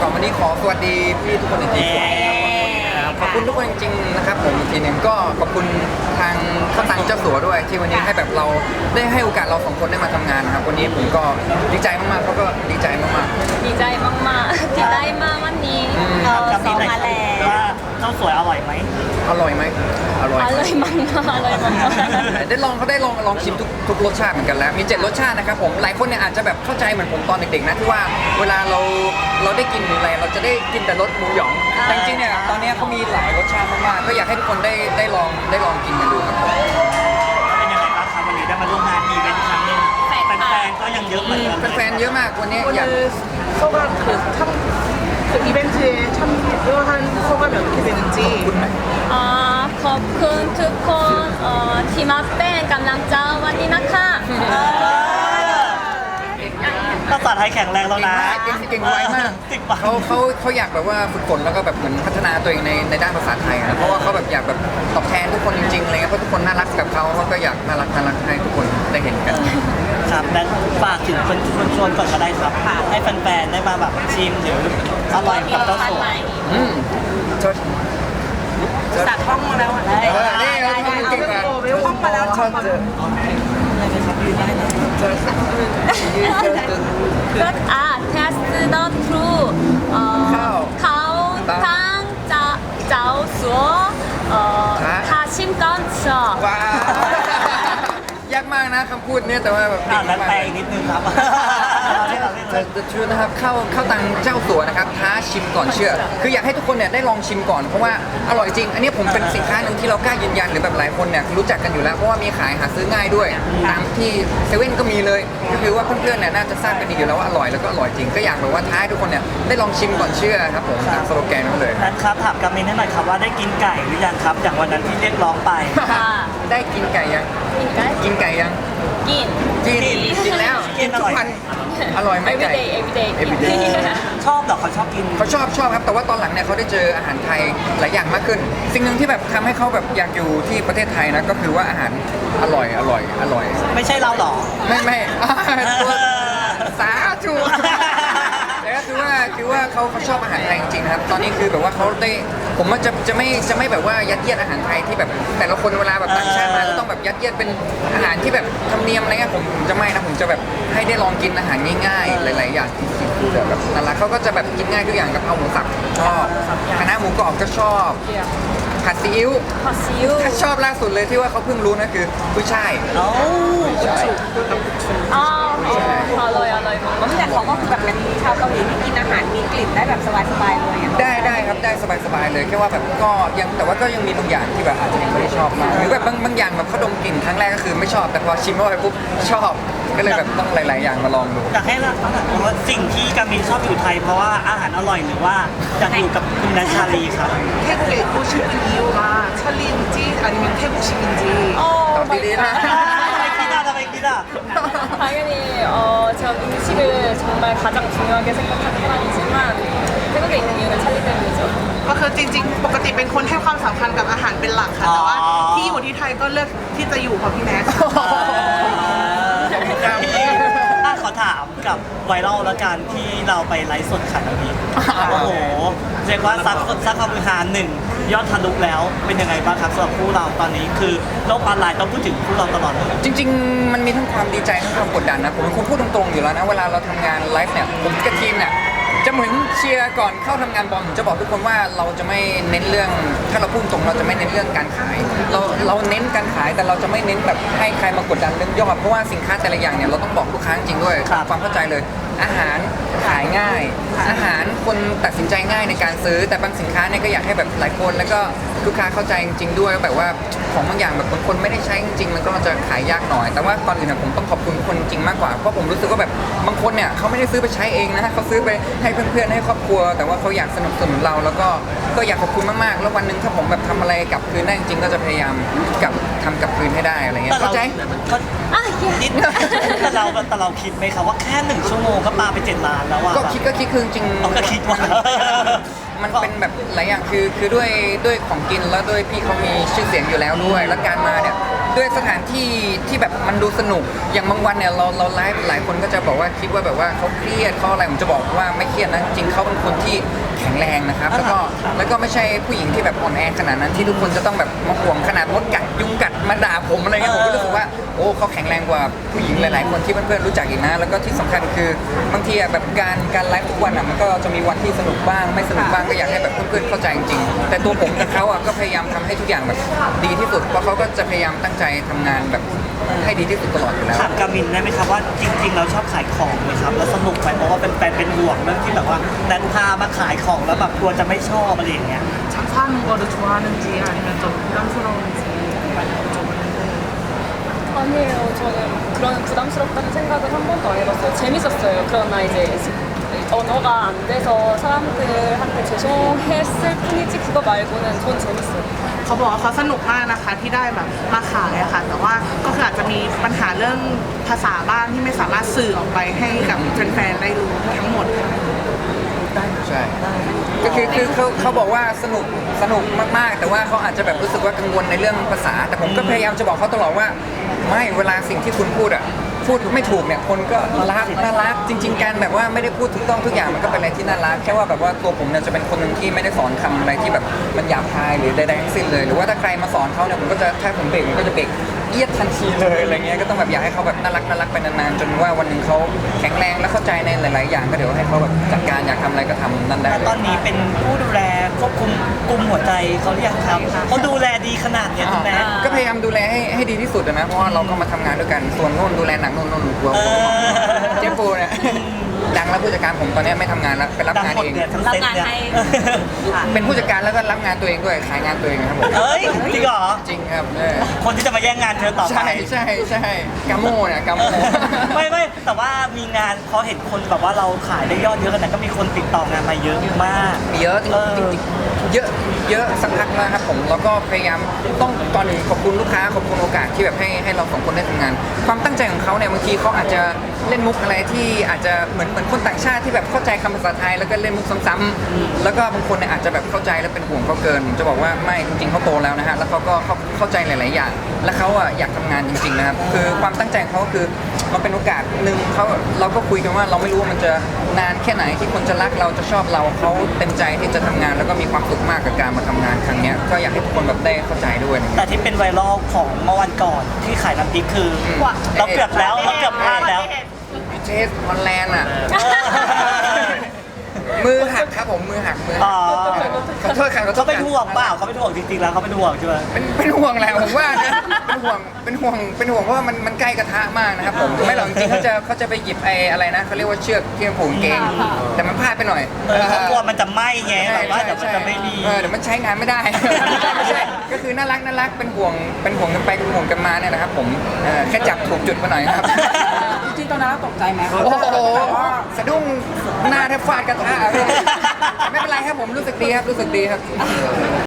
วันนี้ขอสวัสดีพี่ทุกคนจริงๆขอบคุณทุกคนจริงๆนะครับผมอีกทีหนึ่งก็ขอบคุณทางข้าวตังเจ้าสัวด้วยที่วันนี้ให้แบบเราได้ให้โอกาสเราสองคนได้มาทำงานนะครับวันนี้ผมก็ดีใจมากๆเขาก็ดีใจมากๆดีใจมากๆดีใจมากวันนี้ซ้อมมาแล้วว่าเจ้าสวยอร่อยไหมอร่อยไหมอร่อยอร่อยมากๆอร่อยมากๆได้ลองเขาได้ลองชิมทุกรสชาติเหมือนกันแล้วมี7รสชาตินะครับผมหลายคนเนี่ยอาจจะแบบเข้าใจเหมือนผมตอนเด็กๆนะที่ว่าเวลาเราได้กินอะไรเราจะได้กินแต่รสหมูหยองแต่จริงๆเนี่ยตอนนี้เขามีหลายรสชาติมากๆก็อยากให้ทุกคนได้ลองกินกันดูครับผมเป็นยังไงบ้างครับวันนี้ได้มาร่วมงานอีเวนต์อีกครั้งหนึงแฟนๆก็ยังเยอะเหมือนกันแฟนๆเยอะมากวันนี้อยาก 오늘 소감 그 이벤트에 참여한 소감이 어떻게 되는지 ขอบคุณทุกคนที่มาเป็นกำลังใจวันนี้นะคะภาษาไทยแข็งแรงแล้วนะเก่งไวมากติดปากเขาอยากแบบว่าฝึกฝนแล้วก็แบบเหมือนพัฒนาตัวเองในด้านภาษาไทยนะเพราะว่าเขาแบบอยากแบบตอบแทนทุกคนจริงๆอะไรเงี้ยเพราะทุกคนน่ารักกับเขาก็อยากน่ารักให้ทุกคนได้เห็นกันครับและฝากถึงคนชวนก่อนก็ได้ครับให้แฟนๆได้มาแบบชิมหรืออร่อยกับเจ้าสวยอืมชด 자, 펑마라고 นี่เราทำเก่งมาก 왜 펑마라고 ชดก็เทสต์ดอทรูเขาทั้งเจ้าสัวทาชิมก่อนชอบว้าวยากมากนะคำพูดเนี่ยแต่ว่าแบบและแปลอีกนิดนึงครับจะชื่อนะครับเข้าตังเจ้าสัวนะครับท้าชิมก่อนเชื่อ คืออยากให้ทุกคนเนี่ยได้ลองชิมก่อนเพราะว่าอร่อยจริง อันนี้ผมเป็นสินค้าหนึ่งที่เรากล้ายืนยันหรือแบบหลายคนเนี่ยรู้จักกันอยู่แล้วเพราะว่ามีขายหาซื้อง่ายด้วยตามที่เซเว่นก็มีเลยก็คือว่าเพื่อนๆเนี่ยน่าจะทราบกันดีอยู่แล้วว่าอร่อยแล้วก็อร่อยจริงก็อยากแบบว่าท้าให้ทุกคนเนี่ยได้ลองชิมก่อนเชื่อครับผมตามสโลแกนนั้นเลยนั้นครับถามกามินให้หน่อยครับว่าได้กินไก่หรือยังครับอย่างวันนั้นที่เรียกร้องไปได้กินไก่ยังกินกันกินไก่ยังกินกินแล้วกินทุกวันอร่อยไหมไก่ everyday everyday ชอบเหรอเขาชอบกินเขาชอบครับแต่ว่าตอนหลังเนี่ยเขาได้เจออาหารไทยหลายอย่างมากขึ้น สิ่งหนึ่งที่แบบทำให้เขาแบบอยากอยู่ที่ประเทศไทยนะก็คือว่าอาหารอร่อยไม่ใช่เราเหรอไม่ตัวสาธุแต่ก็คือว่าเขาชอบอาหารไทยจริงๆนะครับตอนนี้คือแบบว่าเขาได้ผมว่าจะไม่แบบว่ายัดเยียดอาหารไทยที่แบบแต่ละคนเวลาแบบต่างชาติมาก็ต้องแบบยัดเยียดเป็นอาหารที่แบบธรรมเนียมอะไรเงี้ยผมจะไม่นะผมจะแบบให้ได้ลองกินอาหารง่ายๆหลายๆอย่างคือแบบนั่นแหละเขาก็จะแบบกินง่ายทุกอย่างกับเอาหมูสับชอบคณะน้าหมูกรอบก็ชอบผัดซีอิ๊วผัดซีอิ๊วถ้าชอบล่าสุดเลยที่ว่าเขาเพิ่งรู้นะคือกุ้ยช่ายเอ้าใช่อร่อยมากแต่เขาก็คือแบบเป็นชาวเกาหลีที่กินอาหารมีกลิ่นได้แบบสบายๆเลยอะได้ครับได้สบายๆเลยแค่ว่าแบบก็ยังแต่ว่าก็ยังมีบางอย่างที่แบบอาจจะยังไม่ได้ชอบมากหรือแบบบางอย่างแบบเขาดมกลิ่นครั้งแรกก็คือไม่ชอบแต่พอชิมเข้าไปปุ๊บชอบก็เลยแบบต้องหลายๆอย่างมาลองดูอยากให้เราว่าสิ่งที่กามินชอบอยู่ไทยเพราะว่าอาหารอร่อยหรือว่าอยากอยู่กับคุณนัชชาลีครับ 태국에 있고 싶은 이유가 찰리인지 아니면 태국식인지 ตอบดีๆนะทำไมคิดอ่ะ 당연히 제가 음식을 정말 가장 중요하게 생각하는 사람이지만 태국에 있는 이유는 찰리 때문이죠. ก็คือจริงๆ ปกติเป็นคนให้ความสำคัญกับอาหารเป็นหลักค่ะ แต่ว่าที่อยู่ที่ไทยก็เลือกที่จะอยู่เพราะพี่แม็กซ์ขอถามกับไวรัลแล้วกันที่เราไปไลฟ์สดขายน้ำพริกโอ้โหเรียกว่าซักความมือหาหนึ่งยอดทะลุแล้วเป็นยังไงบ้างครับสำหรับคู่เราตอนนี้คือโลกออนไลน์ต้องพูดถึงคู่เราตลอดเลยจริงๆมันมีทั้งความดีใจทั้งความกดดันนะผมเป็นคนพูดตรงๆอยู่แล้วนะเวลาเราทำงานไลฟ์เนี่ยผมกับทีมเนี่ยจะเหมือนเชียร์ก่อนเข้าทำงานบอลจะบอกทุกคนว่าเราจะไม่เน้นเรื่องถ้าเราพูดตรงเราจะไม่เน้นเรื่องการขายเราเน้นการขายแต่เราจะไม่เน้นแบบให้ใครมากดดันเรื่องยอดเพราะว่าสินค้าแต่ละอย่างเนี่ยเราต้องบอกลูกค้าจริงด้วยความเข้าใจเลย อาหารขายง่าย อาหารคนตัดสินใจง่ายในการซื้อแต่บางสินค้าเนี่ยก็อยากให้แบบหลายคนแล้วก็ลูกค้าเข้าใจจริงๆด้วยแบบว่าของบางอย่างแบบบางคนไม่ได้ใช้จริงๆมันก็จะขายยากหน่อย แต่ว่าก่อนอื่นผมต้องขอบคุณคนจริงมากกว่าเพราะผมรู้สึกว่าแบบบางคนเนี่ยเขาไม่ได้ซื้อไปใช้เองนะเขาซื้อไปให้เพื่อนๆให้ครอบครัว แต่ว่าเขาอยากสนับสนุนเราแล้วก็อยากขอบคุณมากๆแล้ววันหนึ่งถ้าผมแบบทำอะไรกลับคืนได้จริงๆก็จะพยายามทำกลับคืนให้ได้อะไรเงี้ยเข้าใจนิดแต่เราคิดไหมครับว่าแค่1 ชั่วโมงก็ปาไป7 ล้านแล้วว่าก็คิดคือจริงๆเราก็คิดว่ามันเป็นแบบหลายอย่างคือด้วยของกินแล้วด้วยพี่เขามีชื่อเสียงอยู่แล้วด้วยแล้วการมาเนี่ยด้วยสถานที่ที่แบบมันดูสนุกอย่างบางวันเนี่ยเราไลฟ์หลายคนก็จะบอกว่าคิดว่าแบบว่าเขาเครียดเขาอะไรผมจะบอกว่าไม่เครียดนะจริงเขาเป็นคนที่แข็งแรงนะครับแล้วก็ไม่ใช่ผู้หญิงที่แบบอ่อนแอขนาดนั้นที่ทุกคนจะต้องแบบมาห่วงขนาดมดกัดยุงกัดมาด่าผมอะไรเงี้ยผมก็รู้สึกว่าโอ้เขาแข็งแรงกว่าผู้หญิงหลายๆคนที่เพื่อนๆรู้จักอีกนะแล้วก็ที่สำคัญคือบางทีอะแบบการไลฟ์ทุกวันอะมันก็จะมีวันที่สนุกบ้างไม่สนุกบ้างก็อยากให้แบบเพื่อนๆเข้าใจจริงๆแต่ตัวผมกับเขาอะก็พยายามทำให้ทุกอย่างแบบดีที่สุดเพราะเขาก็จะพยายามตั้งใจทำงานแบบให้ดีที่สุดตลอดอยู่แล้วถามกามินได้ไหมครับว่าจริงๆเราชอบขายของไหมครับแล้วสนุกไหมเพราะว่าเป็นแฟนเป็นห่วงเรื่องที่แบบว่าแนนพามาขายของแล้วแบบกลัวจะไม่ชอบอะไรอย่างเงี้ย 장사하는 거를 좋아하는지 아니면 좀 부담스러운지 여쭤보는데 아니에요. 저는 그런 부담스럽다는 생각을 한 번도 안 해봤어요. 재밌었어요. 그러나 이제 언어가 안 돼서 사람들한테 죄송했을 뿐이지 그거 말고는 전 재밌어요. เขาบอกว่าเขาสนุกมากนะคะที่ได้แบบมาขายอะค่ะแต่ว่าก็คืออาจจะมีปัญหาเรื่องภาษาบ้างที่ไม่สามารถสื่อออกไปให้กับแฟนๆได้รู้ทั้งหมดค่ะใช่ก็คือเขาบอกว่าสนุกมากๆ แต่ว่าเขาอาจจะแบบรู้สึกว่ากังวลในเรื่องภาษา แต่ผมก็พยายามจะบอกเขาตลอดว่าไม่เวลาสิ่งที่คุณพูดไม่ถูกเนี่ยคนก็รักน่ารักจริง ๆการแบบว่าไม่ได้พูดถูกต้องทุกอย่างมันก็เป็นอะไรที่น่ารักแค่ว่าแบบว่าตัวผมเนี่ยจะเป็นคนหนึ่งที่ไม่ได้สอนคำอะไรที่แบบมันหยาบคายหรือใดๆทั้งสิ้นเลยหรือว่าถ้าใครมาสอนเขาเนี่ยผมก็จะถ้าผมเบรกผมก็จะเบรกเอียดทันทีเลยอะไรเงี้ยก็ต้องแบบอยากให้เขาแบบน่ารักไปนานๆจนว่าวันหนึ่งเขาแข็งแรงและเข้าใจในหลายๆอย่างก็เดี๋ยวให้เขาแบบจัดการอยากทำอะไรก็ทำนั่นได้แล้วตอนนี้เป็นผู้ดูแลควบคุมกลุ่มหัวใจเขาหรือยังครับเขาดูแลดีขนาดเนี้ยคุณแม่ก็พยายามดูแลให้ดีที่สุดนะเพราะว่าเราก็มาทำงานด้วยกันส่วนโน่นดูแลหนังโน่นกลัวเจมปูเนี่ยดังแล้วผู้จัดการผมตอนนี้ไม่ทำงานแล้วไปรับดังงานหมดเองเนี่ยทั้งเซ็ตเนี่ยเป็นผู้จัดการแล้วก็รับงานตัวเองด้วยขายงานตัวเองครับผมเอ้ยจริงเหรอจริงครับคนที่จะมาแย่งงานเธอต่อไปใช่กาโมเนี่ยกาโมไม่แต่ว่ามีงานพอเห็นคนแบบว่าเราขายได้ยอดเยอะขนาดก็มีคนติดต่องานมาเยอะมากเยอะจริงๆเยอะสักพักแล้วครับผมแล้วก็พยายามต้องตอนหนึ่งขอบคุณลูกค้าขอบคุณโอกาสที่แบบให้เราสองคนได้ทำงาน ความตั้งใจของเขาเนี่ยบางทีเขาอาจจะเล่นมุกอะไรที่อาจจะเหมือนคนต่างชาติที่แบบเข้าใจคำภาษาไทยแล้วก็เล่นมุกซ้ำๆแล้วก็บางคนเนี่ยอาจจะแบบเข้าใจแล้วเป็นห่วงเขาเกินผมจะบอกว่าไม่จริงๆเขาโตแล้วนะฮะแล้วเขาก็เข้าใจหลายๆอย่างแล้วเขาอ่ะอยากทำงานจริงๆนะครับคือความตั้งใจของเขาคือมันเป็นโอกาสหนึ่งเราก็คุยกันว่าเราไม่รู้ว่ามันจะนานแค่ไหนที่คนจะรักเราจะชอบเราเขาเต็มใจที่จะทำงานแล้วก็มีความสุขมากกับการมาทำงานครั้งเนี้ยก็อยากให้ทุกคนแบบได้เข้าใจด้วยนะคแต่รับที่เป็นไวรัลของเมื่อวันก่อนที่ขายน้ำพริกคือเราเกือบแล้วเราเกือบพลาดแล้วเทสฮอลแลนด์อ่ะ มือหักครับผมมือหักอ๋อขอโทษครับขอโทเขาษเป็นห่วงเปล่าเขาเป็นห่วงจริงๆแล้วเขาเป็นห่วงใช่ไหมเป็นห่วงแหละผมว่านะเป็นห่วงเพราะว่ามันใกล้กระทะมากนะครับผมไม่หรอกจริงๆเขาจะไปหยิบไอ้อะไรนะเขาเรียกว่าเชือกที่มันผูกกางเกงแต่มันพลาดไปหน่อยเขากลัวมันจะไหม้ไงแบบว่าเดี๋ยวมันจะไม่ดีเดี๋ยวมันใช้งานไม่ได้ ไม่ใช่ก็คือน่ารักเป็นห่วงกันไปเป็นห่วงกันมาเนี่ยนะครับผมแค่จับถูกจุดมาหน่อยครับจริงๆตอนนั้นเราตกใจไหมโอ้โหสะดุ้งหน้าแทบฟาดกระทะไม่เป็นไรครับผมรู้สึกดีครับ